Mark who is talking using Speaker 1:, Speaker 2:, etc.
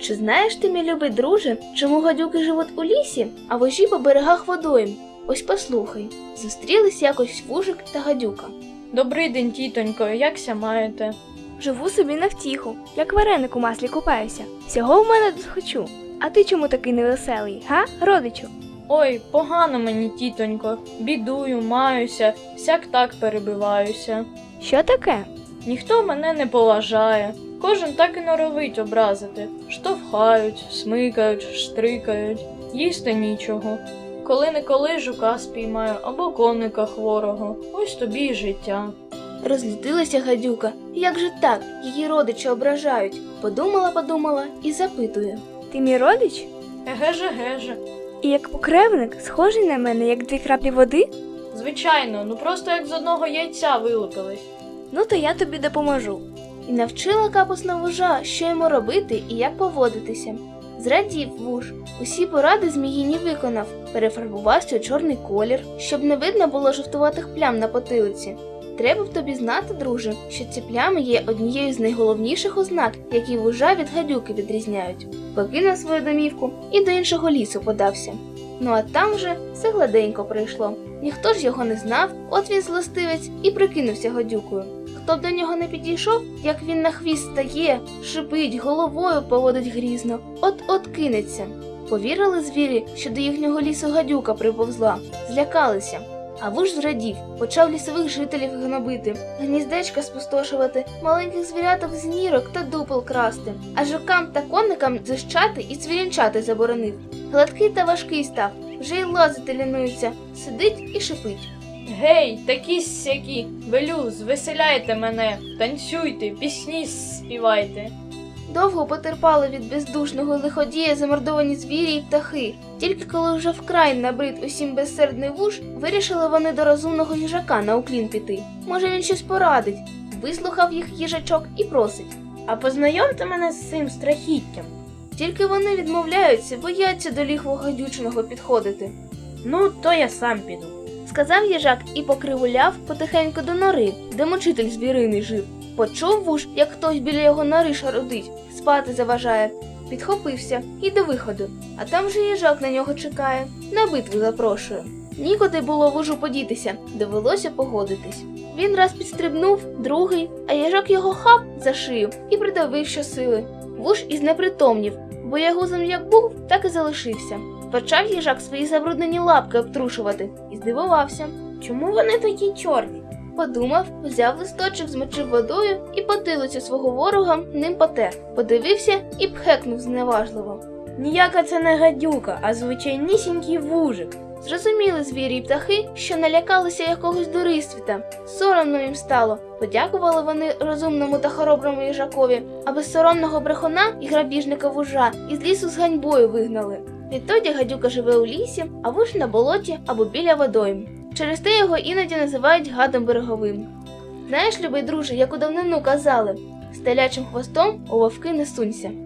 Speaker 1: Чи знаєш ти, мій любий друже, чому гадюки живуть у лісі, а вужі по берегах водойм? Ось послухай. Зустрілись якось вужик та гадюка.
Speaker 2: Добрий день, тітонько, якся маєте?
Speaker 1: Живу собі на втіху, як вареник у маслі купаюся. Всього в мене тут хочу. А ти чому такий невеселий, га, родичу?
Speaker 2: Ой, погано мені, тітонько, бідую, маюся, всяк так перебиваюся.
Speaker 1: Що таке?
Speaker 2: Ніхто мене не поважає, кожен так і норовить образити. Штовхають, смикають, штрикають, їсти нічого. Коли-неколи жука спіймаю або коника хворого, ось тобі й життя.
Speaker 1: Розлютилася гадюка. Як же так? Її родичі ображають. Подумала і запитує. Ти мій родич?
Speaker 2: Еге-же.
Speaker 1: І як покревник, схожий на мене, як 2 краплі води?
Speaker 2: Звичайно, просто як з одного яйця вилупились.
Speaker 1: Ну то я тобі допоможу. І навчила капусна вужа, що йому робити і як поводитися. Зрадів вуж, усі поради зміїні виконав, перефарбувався у чорний колір, щоб не видно було жовтуватих плям на потилиці. Треба б тобі знати, друже, що ці плями є однією з найголовніших ознак, які вужа від гадюки відрізняють. Покинув свою домівку і до іншого лісу подався. Ну а там вже все гладенько прийшло. Ніхто ж його не знав, от він злостивець і прикинувся гадюкою. Хто б до нього не підійшов, як він на хвіст стає, шипить, головою поводить грізно, от-от кинеться. Повірили звірі, що до їхнього лісу гадюка приповзла, злякалися. А вуж зрадів, почав лісових жителів гнобити, гніздечка спустошувати, маленьких звіряток з нірок та дупел красти, а жукам та коникам зищати і цвірінчати заборонив. Гладкий та важкий став, вже й лазити лінується, сидить і шипить.
Speaker 2: Гей, такі-сякі, велю, звеселяйте мене, танцюйте, пісні співайте.
Speaker 1: Довго потерпали від бездушного лиходія замордовані звірі й птахи. Тільки коли вже вкрай набрид усім безсердний вуж, вирішили вони до розумного їжака на уклін піти. Може, він щось порадить. Вислухав їх їжачок і просить.
Speaker 2: А познайомте мене з цим страхіттям.
Speaker 1: Тільки вони відмовляються, бояться до лігву гадючного підходити.
Speaker 2: Ну, то я сам піду.
Speaker 1: Сказав їжак і покривуляв потихеньку до нори, де мучитель звіриний жив. Почув вуж, як хтось біля його нори шарудить, спати заважає. Підхопився і до виходу, а там же їжак на нього чекає, на битву запрошує. Нікуди було вужу подітися, довелося погодитись. Він раз підстрибнув, другий, а їжак його хап за шию і придавив щосили. Вуж і знепритомнів, боягузом як був, так і залишився. Почав їжак свої забруднені лапки обтрушувати і здивувався. Чому вони такі чорні? Подумав, взяв листочок, змочив водою і потилицю свого ворога ним потер. Подивився і пхекнув зневажливо.
Speaker 2: Ніяка це не гадюка, а звичайнісінький вужик.
Speaker 1: Зрозуміли звірі й птахи, що налякалися якогось дурисвіта. Соромно їм стало. Подякували вони розумному та хороброму їжакові, а безсоромного брехуна і грабіжника вужа із лісу з ганьбою вигнали. Відтоді гадюка живе у лісі, а вуж на болоті або біля водойм. Через те його іноді називають гадом береговим. Знаєш, любий друже, як у давнину казали, з телячим хвостом у вовки не сунься.